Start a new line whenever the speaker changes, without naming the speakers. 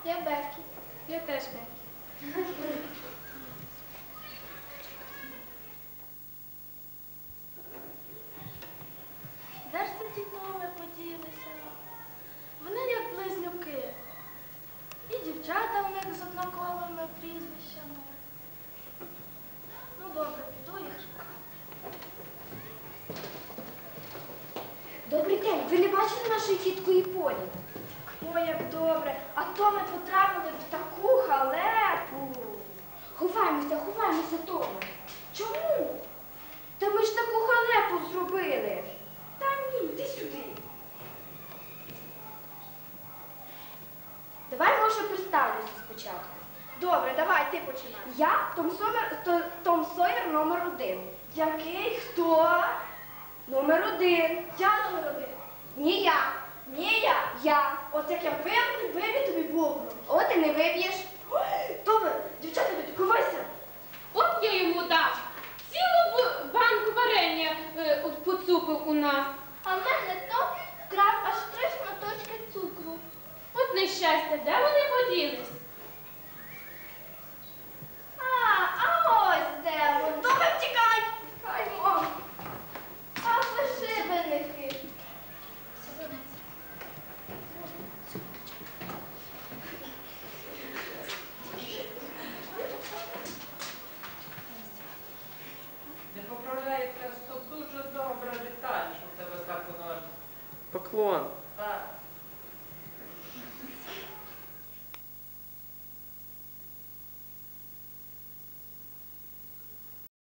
Я Бекі.
Я теж Бекі.
Де ж ці дітноми поділися? Вони як близнюки. І дівчата в них з однаковими прізвищами. Ну добре, піду їх шукати.
Добрий день, ви не бачили нашої тітку і Полі?
Ой, як добре. А то ми потрапили в таку халепу.
Ховаємося, Тома. Чому? Та ми ж таку халепу зробили. Та ні, йди сюди. Давай, може, представлюся спочатку.
Добре, давай, ти починай.
Я Том Сойер номер 1.
Який? Хто?
Номер 1.
Я номер 1.
Ні я.
Ні, я.
Я.
От як я виб'ю тобі бубну.
От і не виб'єш.